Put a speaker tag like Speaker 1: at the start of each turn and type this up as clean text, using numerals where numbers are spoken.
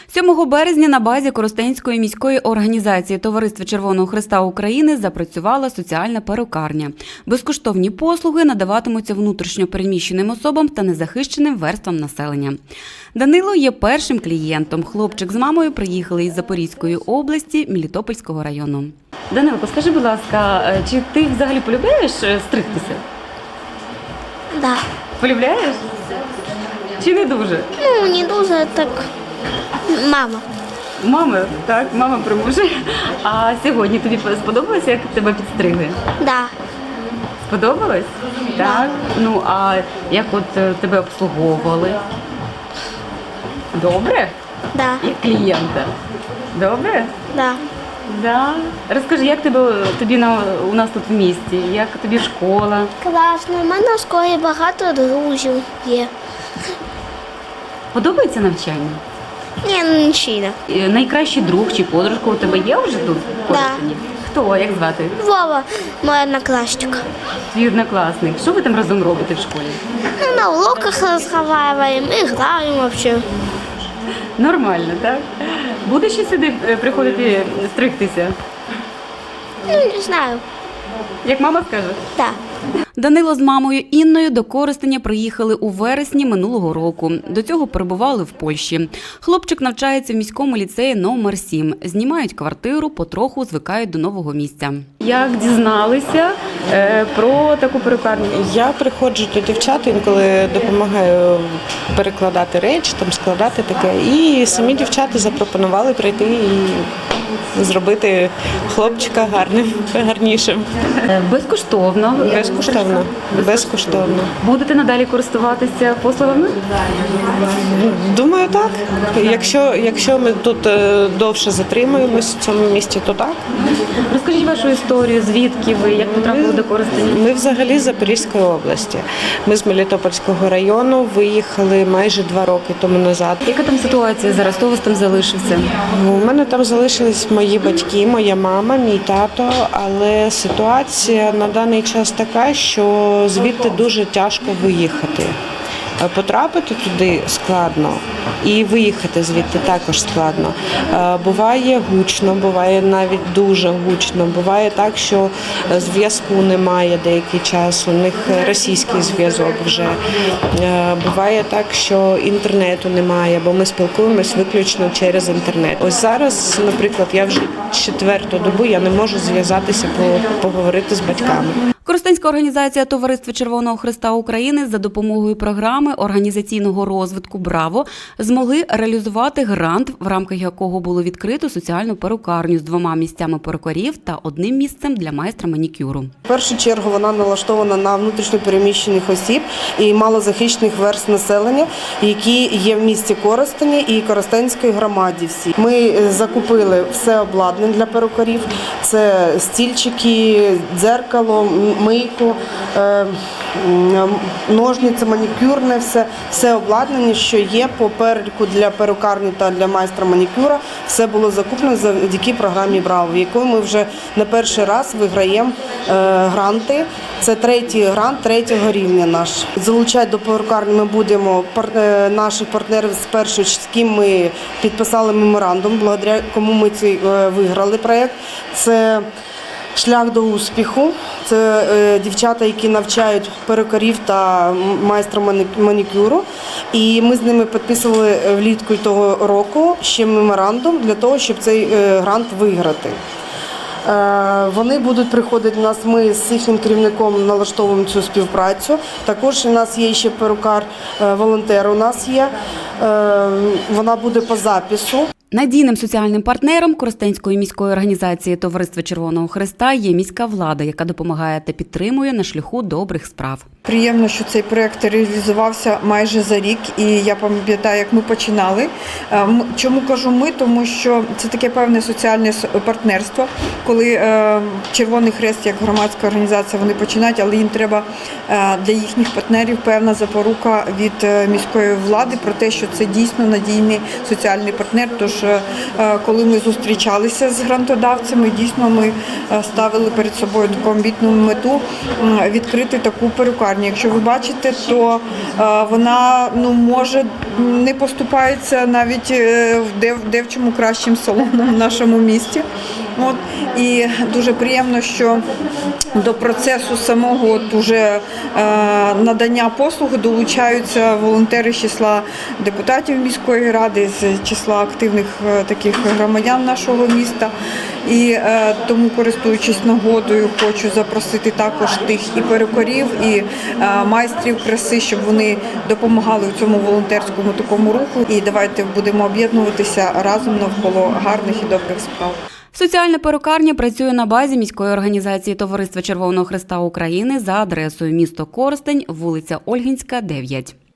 Speaker 1: 7 березня на базі Коростенської міської організації Товариства Червоного Хреста України запрацювала соціальна перукарня. Безкоштовні послуги надаватимуться внутрішньо переміщеним особам та незахищеним верствам населення. Данило є першим клієнтом. Хлопчик з мамою приїхали із Запорізької області, Мелітопольського району. Данилко, скажи, будь ласка, чи ти взагалі полюбляєш стригтися?
Speaker 2: Да.
Speaker 1: Полюбляєш? Чи не дуже?
Speaker 2: Ну, не дуже, так мама.
Speaker 1: Мама, так, мама примушує. А сьогодні тобі сподобалося, як тебе підстригли?
Speaker 2: Да.
Speaker 1: Сподобалось? Так. Ну, а як от тебе обслуговували? Добре?
Speaker 2: Да.
Speaker 1: Як клієнта? Добре?
Speaker 2: Да.
Speaker 1: Да. Розкажи, як тобі у нас тут в місті? Як тобі школа?
Speaker 2: Класно. У мене в школі багато друзів є.
Speaker 1: Подобається навчання?
Speaker 2: Ні, ну нічого.
Speaker 1: Найкращий друг чи подружка у тебе є вже тут? в Коростені? Хто? Як звати?
Speaker 2: Вова, моя одноклассника.
Speaker 1: Твій однокласник. Що ви там разом робите в школі?
Speaker 2: Ну, на уроках разговариваем, играем вообще.
Speaker 1: Нормально, так? Будеш ще сюди приходити стригтися?
Speaker 2: Ну, не знаю.
Speaker 1: Як мама скаже?
Speaker 2: Да.
Speaker 1: Данило з мамою Інною до Коростеня приїхали у вересні минулого року. До цього перебували в Польщі. Хлопчик навчається в міському ліцеї номер 7. Знімають квартиру, потроху звикають до нового місця. Як дізналися про таку перукарню?
Speaker 3: Я приходжу до дівчат, інколи допомагаю перекладати речі, там складати таке. І самі дівчата запропонували прийти і зробити хлопчика гарнішим.
Speaker 1: Безкоштовно.
Speaker 3: Безкоштовно. Безкоштовно.
Speaker 1: Будете надалі користуватися послугами?
Speaker 3: Думаю, так. Якщо ми тут довше затримуємось в цьому місті, то так.
Speaker 1: Розкажіть вашу історію, звідки ви, як потрапили до Коростеня?
Speaker 3: Ми взагалі з Запорізької області. Ми з Мелітопольського району виїхали майже 2 роки тому назад.
Speaker 1: Яка там ситуація зараз? Хто у вас там залишився?
Speaker 3: У мене там залишились мої батьки, моя мама, мій тато, але ситуація на даний час така, що звідти дуже тяжко виїхати. Потрапити туди складно і виїхати звідти також складно. Буває гучно, буває навіть дуже гучно. Буває так, що зв'язку немає деякий час, у них російський зв'язок вже. Буває так, що інтернету немає, бо ми спілкуємось виключно через інтернет. Ось зараз, наприклад, я вже 4-ту добу я не можу зв'язатися, поговорити з батьками.
Speaker 1: Коростенська організація Товариства Червоного Хреста України за допомогою програми організаційного розвитку «Браво» змогли реалізувати грант, в рамках якого було відкрито соціальну перукарню з 2 місцями перукарів та 1 місцем для майстра манікюру.
Speaker 4: В першу чергу вона налаштована на внутрішньопереміщених осіб і малозахищених верств населення, які є в місті Коростені і Коростенської громаді всі. Ми закупили все обладнання для перукарів. Це стільчики, дзеркало, мийку, ножниці, манікюрне, все обладнання, що є по переліку для перукарні та для майстра манікюра, все було закуплено завдяки програмі «Браво», в якої ми вже не перший раз виграємо гранти. Це 3-й грант 3-го рівня наш. Залучати до перукарні ми будемо наших партнерів з першого, з ким ми підписали меморандум, благодаря кому ми виграли проєкт. Це «Шлях до успіху». Це дівчата, які навчають перукарів та майстра манікюру. І ми з ними підписували влітку того року ще меморандум для того, щоб цей грант виграти. Вони будуть приходити до нас, ми з їхнім керівником налаштовуємо цю співпрацю. Також у нас є ще перукар-волонтер у нас є, вона буде по запису.
Speaker 1: Надійним соціальним партнером Коростенської міської організації Товариства Червоного Хреста є міська влада, яка допомагає та підтримує на шляху добрих справ.
Speaker 5: Приємно, що цей проєкт реалізувався майже за рік, і я пам'ятаю, як ми починали. Чому кажу ми? Тому що це таке певне соціальне партнерство, коли Червоний Хрест, як громадська організація, вони починають, але їм треба для їхніх партнерів певна запорука від міської влади про те, що це дійсно надійний соціальний партнер, тож коли ми зустрічалися з грантодавцями, дійсно ми ставили перед собою таку амбітну мету відкрити таку перукарню. Якщо ви бачите, то вона може не поступається навіть девчому кращим салоном в нашому місті. І дуже приємно, що до процесу самого уже надання послуги долучаються волонтери з числа депутатів міської ради, з числа активних таких громадян нашого міста. І тому, користуючись нагодою, хочу запросити також тих і перукарів, і майстрів краси, щоб вони допомагали в цьому волонтерському такому руху. І давайте будемо об'єднуватися разом навколо гарних і добрих справ.
Speaker 1: Соціальна перукарня працює на базі міської організації Товариства Червоного Хреста України за адресою місто Коростень, вулиця Ольгінська, 9.